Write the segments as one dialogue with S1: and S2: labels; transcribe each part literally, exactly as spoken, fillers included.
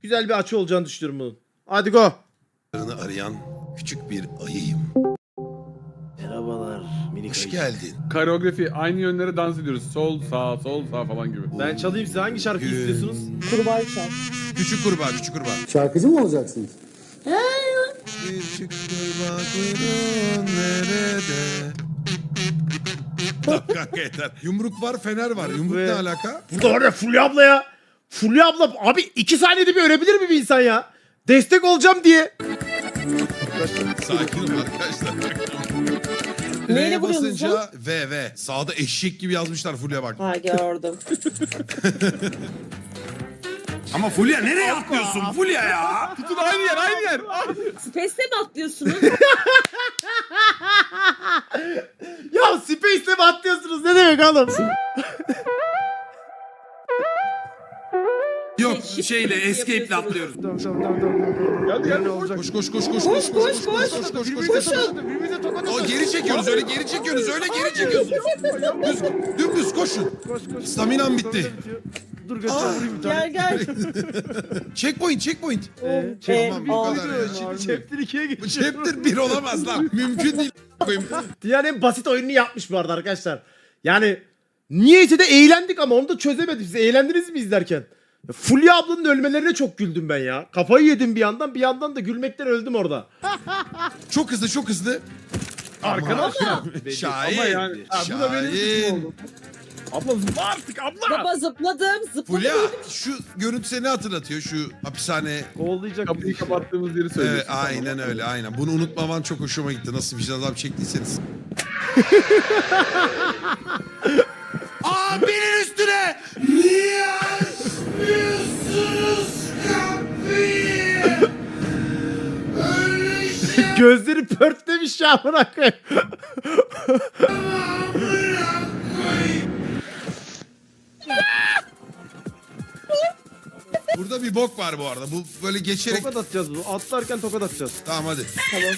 S1: güzel bir açı olacağını düşünüyorum bunun. Hadi go.
S2: arayan küçük bir ayıyım.
S1: Merhabalar minik
S2: Hoş
S1: ayı.
S2: geldin.
S3: Koreografi aynı yönlere dans ediyoruz. Sol sağ sol sağ falan gibi.
S1: Ben çalayım size, hangi şarkıyı
S2: Gün.
S1: istiyorsunuz?
S4: Kurbağa çal.
S2: Küçük kurbağa, küçük kurbağa.
S5: Şarkıcı mı olacaksınız?
S2: Küçük kurbağa kuyruğun nerede? Tamam kanka yeter. Yumruk var, fener var. Yumruk
S1: Ve-
S2: ne alaka?
S1: Burada var ya Fulya abla ya. Fulya abla abi iki saniyede bir ölebilir mi bir insan ya? Destek olacağım diye.
S2: Sakin ol arkadaşlar.
S4: Neyle
S2: R'ye
S4: vuruyorsunuz
S2: basınca V V. Sağda eşek gibi yazmışlar Fulya bak.
S4: Ha gördüm.
S2: Ama Fulya nereye atlıyorsun Fulya ya?
S3: Tutun aynı yer aynı yer.
S4: Space'te mi atlıyorsunuz?
S1: Ya Space'le mi atlıyorsunuz, ne demek oğlum?
S2: Yok
S4: Shift
S2: şeyle
S4: yapıyorsunuz.
S2: escape'le atlıyoruz.
S1: Tamam tamam tamam tamam.
S3: Hadi hadi.
S2: Koş koş koş koş koş
S4: Koş,
S2: koş
S4: koş,
S2: koş
S4: koş.
S2: koş koş koş.
S1: Birbirimize tokat
S2: O
S1: atıyoruz.
S2: geri çekiyoruz öyle geri çekiyoruz öyle geri çekiyoruz. Düz, dümdüz koşun.
S1: Koş koş.
S2: Staminam bitti.
S1: Stamina bitiyor. Dur götür
S2: Aa,
S1: vurayım bir tane.
S4: Gel gel.
S2: Checkpoint checkpoint.
S1: Ee,
S4: Ee,
S2: Tamam bu
S4: aa.
S2: kadar ya.
S1: Şimdi chapter ikiye
S2: Bu
S1: geçiyor.
S2: chapter bir olamaz lan. Mümkün değil. koyayım.
S1: Dünyanın en basit oyununu yapmış bu arada arkadaşlar. Yani niyeyse de eğlendik ama onu da çözemedik. Siz eğlendiniz mi izlerken? Ya Fulya ablanın ölmelerine çok güldüm ben ya. Kafayı yedim bir yandan, bir yandan da gülmekten öldüm orada.
S2: Çok hızlı çok hızlı.
S3: Arkana
S2: Şahin.
S3: Ama yani. Ha, bu da benim suçum
S2: Şahin.
S3: oldu. Abla zıpla artık abla.
S4: Baba zıpladım. Zıpladım.
S2: Fulya şu görüntü seni hatırlatıyor şu hapishane.
S1: Kovalayacak
S3: Kapıyı
S1: bizi.
S3: kapattığımız yeri söylüyorsun.
S2: Evet, aynen öyle aynen. Bunu unutmaman çok hoşuma gitti. Nasıl vicdan azabı çektiyseniz. Abinin üstüne! Niye açmıyorsunuz kapıyı? Öyle şey
S1: Gözleri pörtlemiş ya, amına koyayım.
S2: Burada bir bok var bu arada. Bu böyle geçerek...
S1: Tokat atacağız bunu. Atlarken tokat atacağız.
S2: Tamam hadi.
S4: Tamam.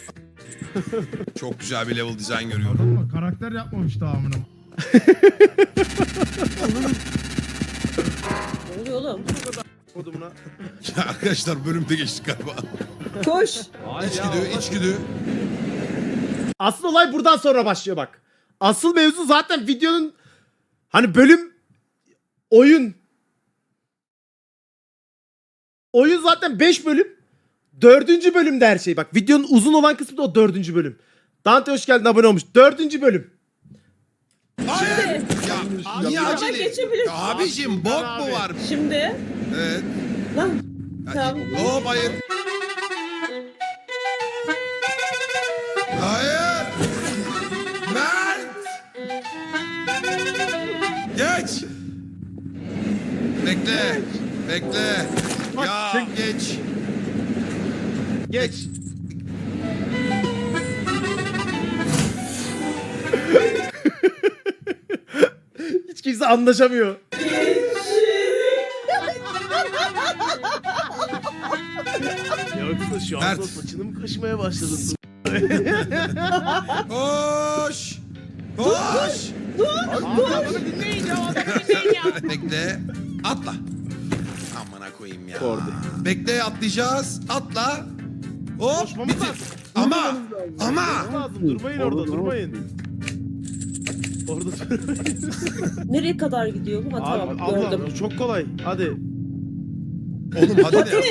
S2: Çok güzel bir level design görüyorum.
S6: Ama karakter yapmamış daha amına.
S4: Ne oluyor oğlum?
S1: Kodumuna.
S2: Ya arkadaşlar bölümde geçtik galiba.
S4: Koş.
S2: İçgüdü, içgüdü.
S1: Asıl olay buradan sonra başlıyor bak. Asıl mevzu zaten videonun hani bölüm oyun. Oyun zaten beş bölüm. Dördüncü bölümde her şey. Bak videonun uzun olan kısmı da o dördüncü bölüm. Dante hoş geldin, abone olmuş. Dördüncü bölüm.
S2: Hayır. Ya niye
S4: Ama
S2: acele?
S4: geçebilirsin.
S2: Ya abicim bok mu var?
S4: Şimdi.
S2: Evet.
S4: Lan.
S2: Ya,
S4: Tamam.
S2: Hop hayır. Hayır. Mert. Geç. Bekle. Bekle. Ya geç.
S1: Geç. Hiç kimse anlaşamıyor. Yoksa şu anda
S2: Mert.
S1: saçını mı kaşımaya başladın?
S2: Koş. Koş. Bekle. Atla. Amına koyayım ya.
S1: Orada.
S2: Bekle atlayacağız. Atla. Hop.
S1: Koşmamız
S2: bitir.
S1: lazım.
S2: Ama. Ama.
S1: Lazım. Durmayın orada, durmayın. Orada durmayın.
S4: Nereye kadar gidiyor bu? Ha
S1: Abi,
S4: tamam
S1: abla,
S4: gördüm.
S1: bu çok kolay. Hadi.
S2: Oğlum hadi ne?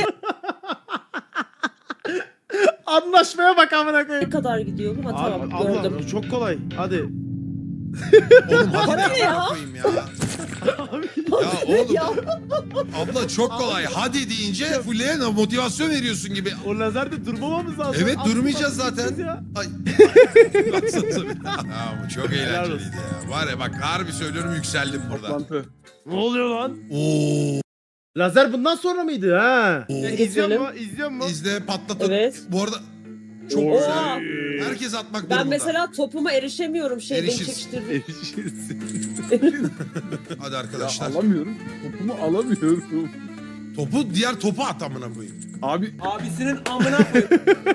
S1: Anlaşmaya bak amına
S4: Nereye
S1: koyayım.
S4: kadar gidiyor bu? Ha
S1: Abi,
S4: tamam
S1: abla,
S4: gördüm.
S1: bu çok kolay. Hadi.
S2: Oğlum hadi
S4: Hadi
S2: ne
S4: ya.
S2: amına koyayım ya. Ya oğlum. Abla çok kolay. Hadi deyince Fulya'ya motivasyon veriyorsun gibi.
S1: O lazerde durmamamız lazım.
S2: Evet
S1: Atla,
S2: durmayacağız
S1: atla,
S2: zaten.
S1: ya.
S2: Ay. Baksanıza bir. Ya bu çok eğlenceliydi ya. Var ya bak harbi söylüyorum yükseldim burada.
S3: Toplantı.
S1: Ne oluyor lan?
S2: Oo.
S1: Lazer bundan sonra mıydı ha?
S2: Oo.
S1: İzliyor mu? İzliyor mu?
S2: İzle patlatın.
S4: Evet.
S2: Bu arada çok
S4: Oo.
S2: güzel. Herkes atmak durumunda.
S4: Ben mesela topuma erişemiyorum şey beni
S2: Erişirsin.
S4: çekiştirdi.
S2: Hadi
S3: Ya
S2: arkadaşlar.
S3: alamıyorum. Topumu alamıyorum.
S2: Topu diğer topu at amına koyayım.
S3: Abi
S7: Abisinin amına koyayım.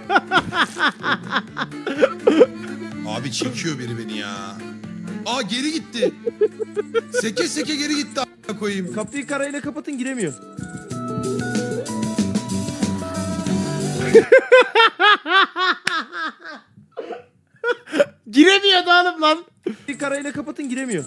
S2: Abi çekiyor biri beni ya. Aa geri gitti. Seke seke geri gitti amına koyayım.
S1: Kapıyı karayla kapatın, giremiyor. Giremiyor da oğlum lan. Bir karayla kapatın giremiyor.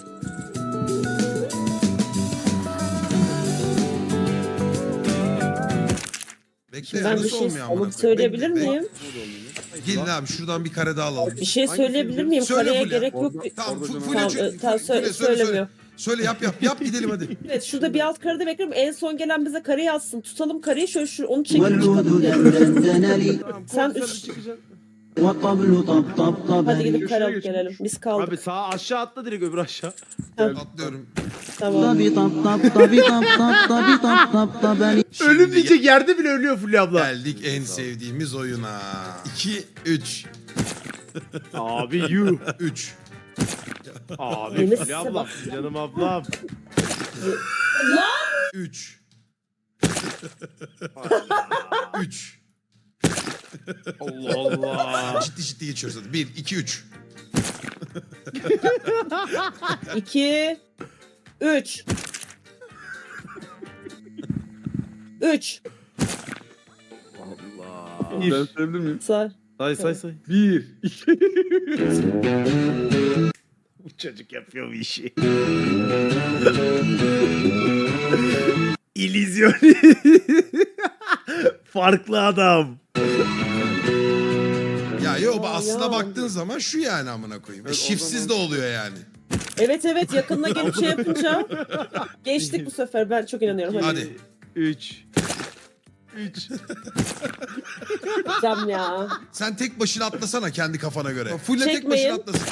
S2: Bekle
S4: Ben bir
S2: nasıl
S4: şey
S2: olmuyor amına
S4: alıp
S2: koyayım?
S4: söyleyebilir
S2: Bekle, bekle.
S4: miyim?
S2: Gelin abi şuradan bir kare daha alalım.
S4: Bir şey söyleyebilir miyim?
S2: Söyle
S4: Kareye
S2: Fulya.
S4: gerek yok.
S2: Tamam
S3: Orada
S2: fu-
S3: canım.
S2: Fulya
S4: Tamam,
S2: çö-
S4: e, tamam,
S2: Fulya,
S4: söyle,
S2: söyle,
S4: söylemiyor.
S2: söyle. Söyle yap yap yap gidelim hadi.
S4: Evet şurada bir alt karede bekliyorum. En son gelen bize kareyi atsın. Tutalım kareyi şöyle şu onu çekip çıkalım diye. Sen üç... Hadi gidip kare alıp gelelim. Biz kaldık.
S1: Abi sağa aşağı atla direkt öbür aşağı.
S2: Atlıyorum.
S4: Tamam.
S1: Ölüm diyecek yerde bile ölüyor Fulya abla.
S2: Geldik en sevdiğimiz oyuna. iki üç.
S1: Abi you.
S2: üç.
S1: Abi
S4: Yeni
S1: Fulya
S4: size
S1: ablam.
S4: bak.
S1: Canım ablam.
S2: üç. üç.
S1: Allah Allah.
S2: Ciddi ciddi geçiyoruz hadi. bir iki üç.
S4: İki. Üç. Üç.
S1: Allah.
S3: Ben söyleyebilir miyim?
S4: Say.
S1: Say say say.
S3: Bir, iki,
S1: Bu çocuk yapıyor bu işi. İllüzyon. Farklı adam.
S2: Ya yo
S4: Aa,
S2: aslına
S4: ya.
S2: baktığın zaman şu yani amına koyayım. E,
S3: Evet, o
S2: Şifsiz
S3: zaman-
S2: de oluyor yani.
S4: Evet evet yakınına gelip şey yapınca geçtik bu sefer ben çok inanıyorum. Hadi.
S2: Hadi.
S1: üç. üç.
S4: Cam ya.
S2: Sen tek başına atlasana kendi kafana göre. Fulle tek
S4: Çekmeyin.
S2: başına atlasın.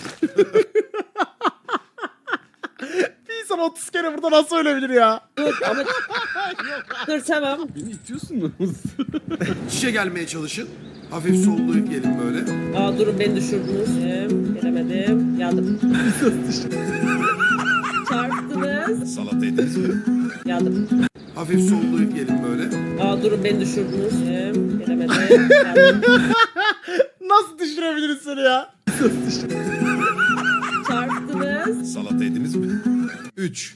S1: Bir insan otuz kere burada nasıl ölebilir ya?
S4: Dur ama dur tamam.
S3: beni itiyorsun.
S2: Şişe gelmeye çalışın. Hafif sollayıp gelin böyle.
S4: Aa durun beni düşürdünüz. Gelemedim. Yandım. Çarptınız.
S2: Salata yediniz mi?
S4: Yandım.
S2: Hafif sollayıp gelin böyle.
S4: Aa durun beni düşürdünüz. Gelemedim. Yandım.
S1: Nasıl düşürebiliriz seni ya?
S4: Çarptınız.
S2: Salata yediniz mi? üç.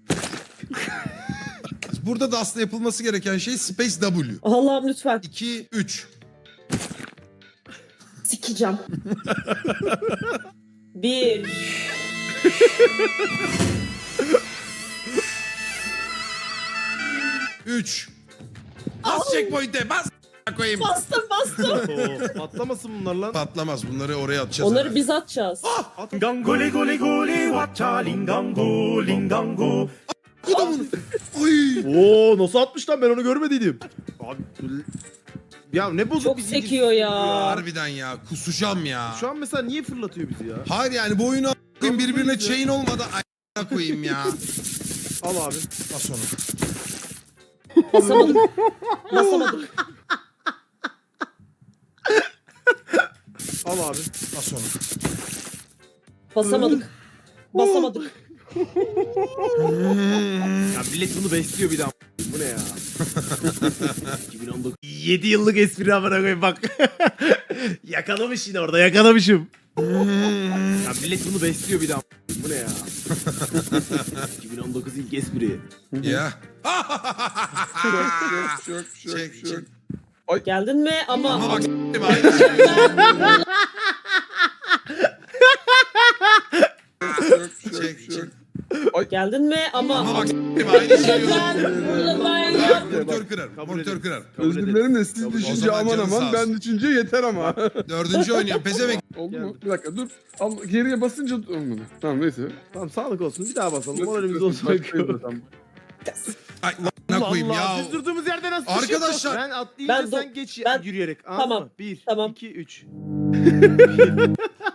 S2: Burada da aslında yapılması gereken şey Space W.
S4: Allah'ım lütfen.
S2: iki üç.
S4: Sikeceğim. Bir.
S2: üç. Bas checkpoint'e bas. Koyayım.
S4: Bastım bastım.
S1: Oo, patlamasın bunlar lan.
S2: Patlamaz bunları oraya atacağız.
S4: Onları
S2: hemen.
S4: biz atacağız.
S5: Gangole gole gole wacha lingango lingango.
S2: Kudumun. Oy.
S1: Oo nasıl atmış lan ben onu görmediydim. Abi ya ne bozuk
S4: Çok
S1: bir zincir.
S4: sekiyor ya.
S2: Harbiden ya kusacağım ya.
S1: Şu an mesela niye fırlatıyor bizi ya?
S2: Hayır yani bu oyunu a**ayım birbirine chain olmadan a**a koyayım ya.
S1: Al abi.
S2: Bas onu.
S4: Basamadık. Basamadık.
S1: Al abi.
S2: Bas onu.
S4: Basamadık. Basamadık.
S1: Ya millet bunu besliyor bir daha. Bu ne ya? iki bin on dokuz. yedi yıllık espri amına koyayım bak. Yakalamış yine orada yakalamışım. Ya millet bunu besliyor bir daha. Bu ne ya? iki bin on dokuz ilk espri.
S2: Ya.
S3: Yok yok yok
S2: Çek
S3: yok.
S2: çek.
S4: Geldin mi? Ama,
S2: Ama bak s**tim aynı şey. Çek çek.
S4: geldin mi? Ama,
S2: Ama bak s**tim aynı şey.
S4: Burada ben yap-
S2: Monitör kırar.
S1: Kabul
S2: Monitör
S1: edin.
S2: kırar.
S1: Kabul
S3: Özür
S1: edin.
S3: dilerim de siz
S1: Kabul-
S2: O
S3: düşünce
S2: zaman
S3: aman
S2: canın sağ
S3: aman ben
S2: olsun.
S3: düşünce yeter ama.
S2: Dördüncü oynuyor. Pezevenk.
S3: Oldu mu?
S1: Geldi.
S3: Bir dakika dur. Al, geriye basınca olmadı. Tamam neyse.
S1: Tamam sağlık olsun bir daha basalım.
S3: Nasıl
S1: Moralimiz
S3: diyorsun?
S1: olsun.
S3: Başlayalım, tamam.
S2: Ay ne koyayım ya.
S1: Biz durduğumuz yerde nasıl
S2: Arkadaşlar-
S1: düşüyorsun? Ben atlayınca
S4: Ben do-
S1: sen geç
S4: ben-
S1: yürüyerek. Anladın
S4: Tamam,
S1: mı? Bir,
S4: tamam.
S1: iki, üç. Bir.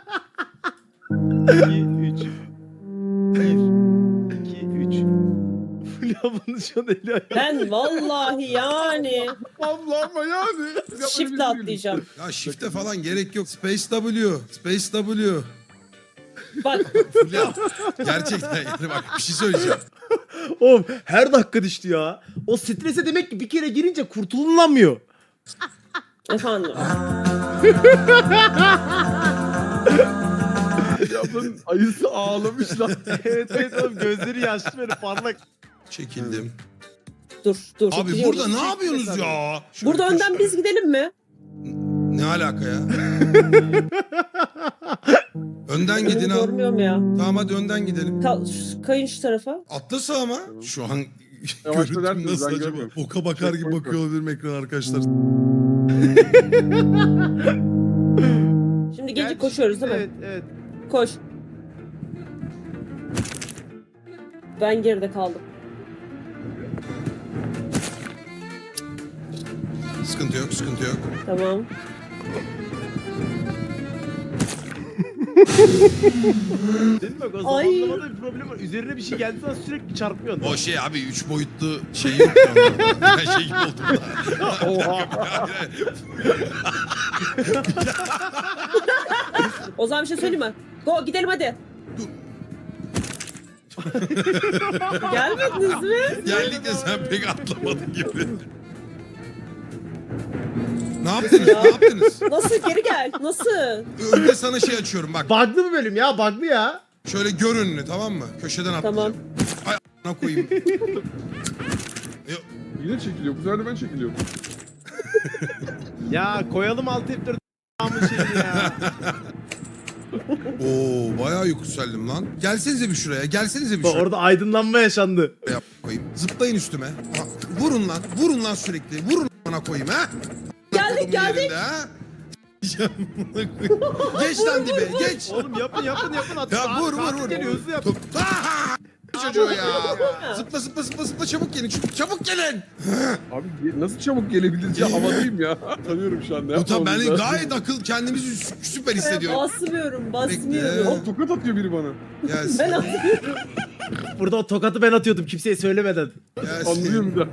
S1: İki, üç. Bir, iki, üç. Fulya bunun şu an eli ayağı.
S4: Ben vallahi yani
S3: Allah ama yani.
S4: shift'le atlayacağım.
S2: Ya shift'e falan gerek yok. Space W. Space W.
S4: Bak
S2: Fulya. Gerçekten yani bak bir şey söyleyeceğim.
S1: Oğlum her dakika düştü ya. O strese demek ki bir kere girince kurtululamıyor.
S4: efendim.
S3: Yapın ayısı ağlamış lan.
S1: evet evet oğlum gözleri yaşlı böyle parlak.
S2: Çekildim.
S4: Dur dur.
S2: Abi
S4: Biliyorum.
S2: burada ne yapıyorsunuz ya? Şöyle
S4: Burada
S2: köşe-
S4: önden biz gidelim mi?
S2: Ne alaka ya? Önden
S4: Önümü
S2: gidin al.
S4: görmüyorum ya.
S2: Tamam hadi önden gidelim.
S4: Ka- şu- kayın şu tarafa.
S2: Atla ama. Şu an
S3: Yavaş
S2: görüntüm
S3: dönersiniz,
S2: nasıl
S3: ben
S2: acaba?
S3: görmüyorum.
S2: Oka bakar gibi
S3: Checkpoint
S2: bakıyor olabilirim ekran arkadaşlar.
S4: Şimdi gece
S1: Gerçi-
S4: koşuyoruz değil mi?
S1: Evet evet.
S4: Koş. Ben geride kaldım.
S2: Sıkıntı yok sıkıntı yok.
S4: Tamam.
S1: Dedim bak o
S4: Ay.
S1: zamanlamada bir problem var. Üzerine bir şey geldiği zaman sürekli çarpıyorsun.
S2: O şey abi üç boyutlu şey yok ya onlarda. Ben şey gibi oldum da.
S1: Oha.
S4: O zaman bir şey söyleyeyim mi? Go gidelim hadi. Gelmediniz mi?
S2: Geldik de sen pek atlamadın gibi. Ne yaptınız?
S4: Ya.
S2: Ne yaptınız?
S4: Nasıl geri gel? Nasıl?
S2: Önde sana şey açıyorum bak.
S1: Bug'lı mı bölüm ya? Bug'lı ya.
S2: Şöyle gör önünü tamam mı? Köşeden atlayacağım. Ay a**ına koyayım. Yo,
S3: Yine çekiliyor. Bu sefer de ben çekiliyorum.
S1: Ya koyalım alt F dört a**ın şeyini ya.
S2: Oo bayağı yükseldim lan. Gelsenize bir şuraya. Gelsenize bir
S1: Bak
S2: şuraya.
S1: orada aydınlanma yaşandı.
S2: Yap koyayım. Zıplayın üstüme. Aha, vurun lan. Vurun lan sürekli. Vurun bana koyayım ha.
S4: Geldik,
S2: Kodumun
S4: geldik.
S2: yerinde, ha? Geç lan dibe. Geç.
S1: Oğlum yapın yapın yapın. At,
S2: Ya vur vur
S1: Katil
S2: vur.
S1: geliyor, hızlı yap.
S2: Top. Aha! Çocuğu ya. Zıpla zıpla zıpla zıpla çabuk gelin. Çabuk, çabuk gelin.
S3: Abi ge- nasıl çabuk gelebiliriz ya? Havadayım ya. Tanıyorum şu anda.
S2: Bu tabi ben
S3: Yapmamız lazım.
S2: gayet akıl kendimizi sü- süper hissediyorum.
S4: Basmıyorum,
S2: Bekle.
S4: basmıyorum.
S3: Aa, tokat atıyor biri bana.
S2: Gelsin.
S4: Ben atıyorum.
S1: Burada o tokatı ben atıyordum kimseye söylemeden.
S2: Gelsin.
S3: Anlıyor bir daha.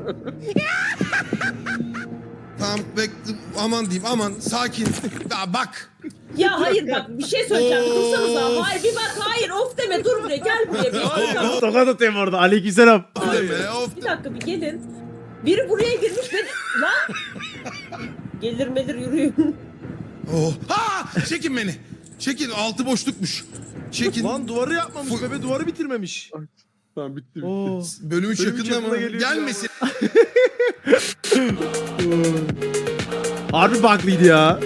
S2: Tamam bekle. Aman diyeyim aman sakin. Ya bak.
S4: Ya hayır bak bir şey söyleyeceğim.
S2: Of.
S4: Dursanıza. Hayır bir bak hayır of deme dur buraya gel buraya. Bir, bir dakika.
S1: Tokat atıyorum orada. Aleykümselam.
S2: Of deme of.
S4: Bir dakika bir gelin. Biri buraya girmiş beni. Lan. Gelir melir yürüyün.
S2: Oh. Ha! Çekin beni. Çekin altı boşlukmuş. Çekin.
S1: Lan duvarı yapmamış.
S2: Fu-
S1: Bebe duvarı bitirmemiş.
S3: Tamam bitti bitti.
S1: Oo.
S2: Bölüm üç
S1: Bölüm üç
S2: yakında mı?
S1: yakında geliyor
S2: Gelmesin.
S1: Harbi bug'lıydı ya.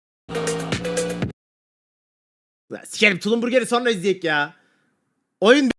S1: Ya Sikerim Tulum Burger'i sonra izleyek ya. Oyun